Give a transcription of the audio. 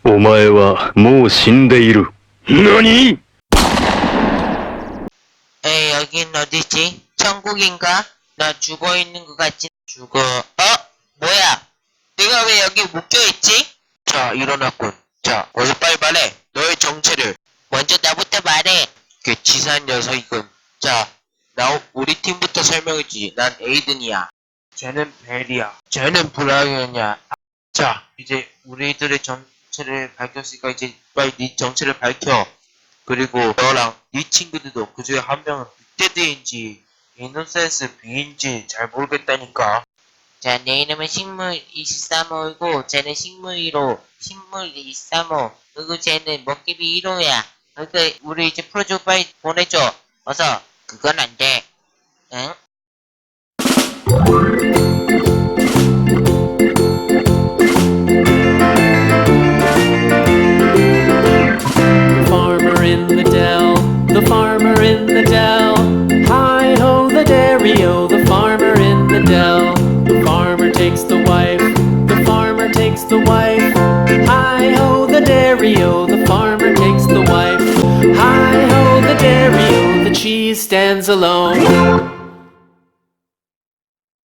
お前はもう死んでいる。何？ 에이, 여긴 어디지? 천국인가? 나 죽어있는 것 같지? 뭐야? 내가 왜 여기 묶여있지? 자, 일어났군. 자, 어서 빨리 말해. 너의 정체를. 먼저 나부터 말해. 그 치사한 녀석이군. 자, 우리 팀부터 설명해주지. 난 에이든이야. 쟤는 벨이야. 쟤는 브라이언이야. 자, 이제 우리들의 정체를 밝혔으니까 이제 빨리 네 정체를 밝혀. 그리고 너랑 네 친구들도 그 중에 한 명은 빅데드인지 이노센스 B인지 잘 모르겠다니까. 자, 내 이름은 식물 23호이고 쟤는 식물 1호, 식물 23호, 그리고 쟤는 먹개비 1호야. 그러니까 우리 이제 프로젝트 빨리 보내줘. 어서. 그건 안 돼. 응? Farmer in the dell, the farmer in the dell. Hi-ho, the dairy-o, the farmer in the dell. The farmer takes the wife, the farmer takes the wife. Hi-ho, the dairy-o, the farmer takes the wife. Hi-ho, the dairy-o, the cheese stands alone.